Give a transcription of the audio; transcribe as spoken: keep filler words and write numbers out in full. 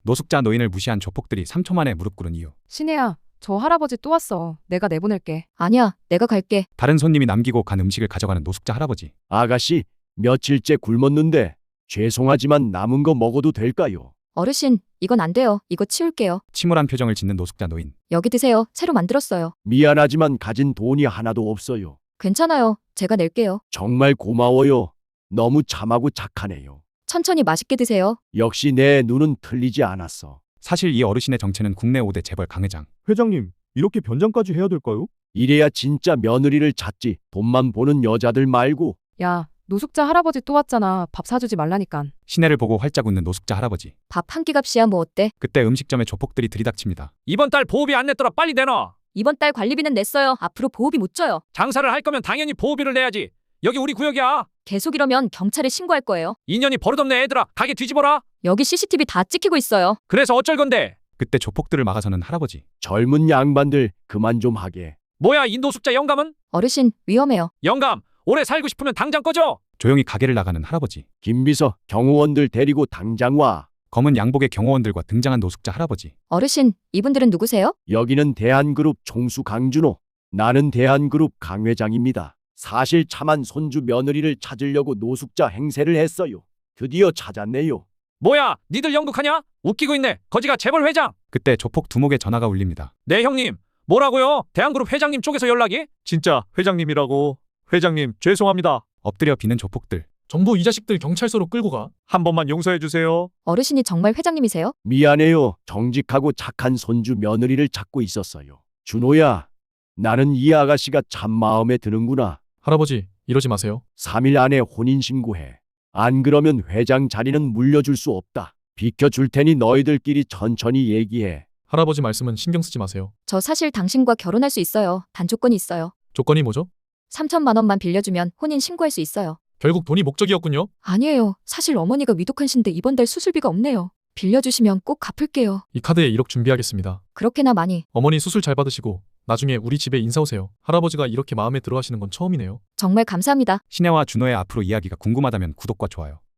노숙자 노인을 무시한 조폭들이 삼 초 만에 무릎 꿇은 이유. 신혜야, 저 할아버지 또 왔어. 내가 내보낼게. 아니야, 내가 갈게. 다른 손님이 남기고 간 음식을 가져가는 노숙자 할아버지. 아가씨, 며칠째 굶었는데 죄송하지만 남은 거 먹어도 될까요? 어르신, 이건 안 돼요. 이거 치울게요. 침울한 표정을 짓는 노숙자 노인. 여기 드세요. 새로 만들었어요. 미안하지만 가진 돈이 하나도 없어요. 괜찮아요. 제가 낼게요. 정말 고마워요. 너무 참하고 착하네요. 천천히 맛있게 드세요. 역시 내 눈은 틀리지 않았어. 사실 이 어르신의 정체는 국내 오 대 재벌 강회장. 회장님, 이렇게 변장까지 해야 될까요? 이래야 진짜 며느리를 찾지. 돈만 보는 여자들 말고. 야, 노숙자 할아버지 또 왔잖아. 밥 사주지 말라니깐. 시내를 보고 활짝 웃는 노숙자 할아버지. 밥 한 끼 값이야 뭐 어때? 그때 음식점에 조폭들이 들이닥칩니다. 이번 달 보호비 안 냈더라 빨리 내놔. 이번 달 관리비는 냈어요. 앞으로 보호비 못 줘요. 장사를 할 거면 당연히 보호비를 내야지. 여기 우리 구역이야. 계속 이러면 경찰에 신고할 거예요. 이 년이 버릇없네 애들아. 가게 뒤집어라. 여기 씨씨티비 다 찍히고 있어요. 그래서 어쩔 건데. 그때 조폭들을 막아서는 할아버지. 젊은 양반들 그만 좀 하게. 뭐야 이 노숙자 영감은? 어르신, 위험해요. 영감 오래 살고 싶으면 당장 꺼져. 조용히 가게를 나가는 할아버지. 김비서, 경호원들 데리고 당장 와. 검은 양복의 경호원들과 등장한 노숙자 할아버지. 어르신, 이분들은 누구세요? 여기는 대한그룹 총수 강준호. 나는 대한그룹 강 회장입니다. 사실 참한 손주 며느리를 찾으려고 노숙자 행세를 했어요. 드디어 찾았네요. 뭐야 니들 연극하냐? 웃기고 있네. 거지가 재벌 회장. 그때 조폭 두목의 전화가 울립니다. 네 형님. 뭐라고요? 대한그룹 회장님 쪽에서 연락이? 진짜 회장님이라고. 회장님, 죄송합니다. 엎드려 비는 조폭들. 정부 이 자식들 경찰서로 끌고 가. 한 번만 용서해 주세요. 어르신이 정말 회장님이세요? 미안해요. 정직하고 착한 손주 며느리를 찾고 있었어요. 준호야, 나는 이 아가씨가 참 마음에 드는구나. 할아버지, 이러지 마세요. 삼 일 안에 혼인신고해. 안 그러면 회장 자리는 물려줄 수 없다. 비켜줄 테니 너희들끼리 천천히 얘기해. 할아버지 말씀은 신경 쓰지 마세요. 저 사실 당신과 결혼할 수 있어요. 단 조건이 있어요. 조건이 뭐죠? 삼천만 원만 빌려주면 혼인 신고할 수 있어요. 결국 돈이 목적이었군요. 아니에요. 사실 어머니가 위독하신데 이번 달 수술비가 없네요. 빌려주시면 꼭 갚을게요. 이 카드에 일억 준비하겠습니다. 그렇게나 많이. 어머니 수술 잘 받으시고 나중에 우리 집에 인사 오세요. 할아버지가 이렇게 마음에 들어 하시는 건 처음이네요. 정말 감사합니다. 신혜와 준호의 앞으로 이야기가 궁금하다면 구독과 좋아요.